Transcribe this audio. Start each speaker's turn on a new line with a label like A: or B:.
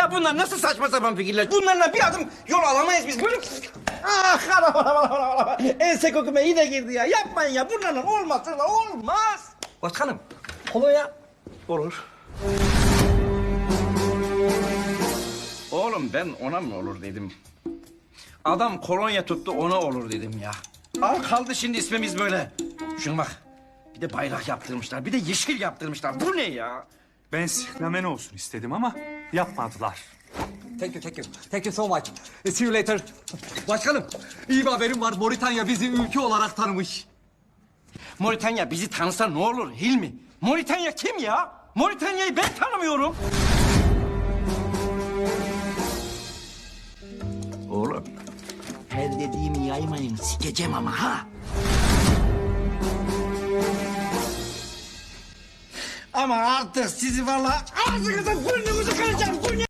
A: Ya bunlar nasıl saçma sapan fikirler? Bunlarla bir adım yol alamayız biz. Böyle... Ah anam. Ense kokuma yine girdi ya. Yapmayın ya. Bunlarla olmaz. Olmaz. Başkanım. Kolonya. Olur. Oğlum ben ona mı olur dedim. Adam kolonya tuttu ona olur dedim ya. Al kaldı şimdi ismimiz böyle. Şuna bak. Bir de bayrak yaptırmışlar. Bir de yeşil yaptırmışlar. Bu ne ya?
B: Ben siklamen olsun istedim ama yapmadılar.
C: Thank you so much. See you later. Başkanım, iyi bir haberim var. Moritanya bizi ülke olarak tanımış.
A: Moritanya bizi tanısa ne olur Hilmi? Moritanya kim ya? Moritanya'yı ben tanımıyorum. Oğlum. Her dediğimi yaymayın. Sikeceğim ama ha. Ama artık sizi vallahi ağzınıza burnunuzu kıracağım. Bu ne?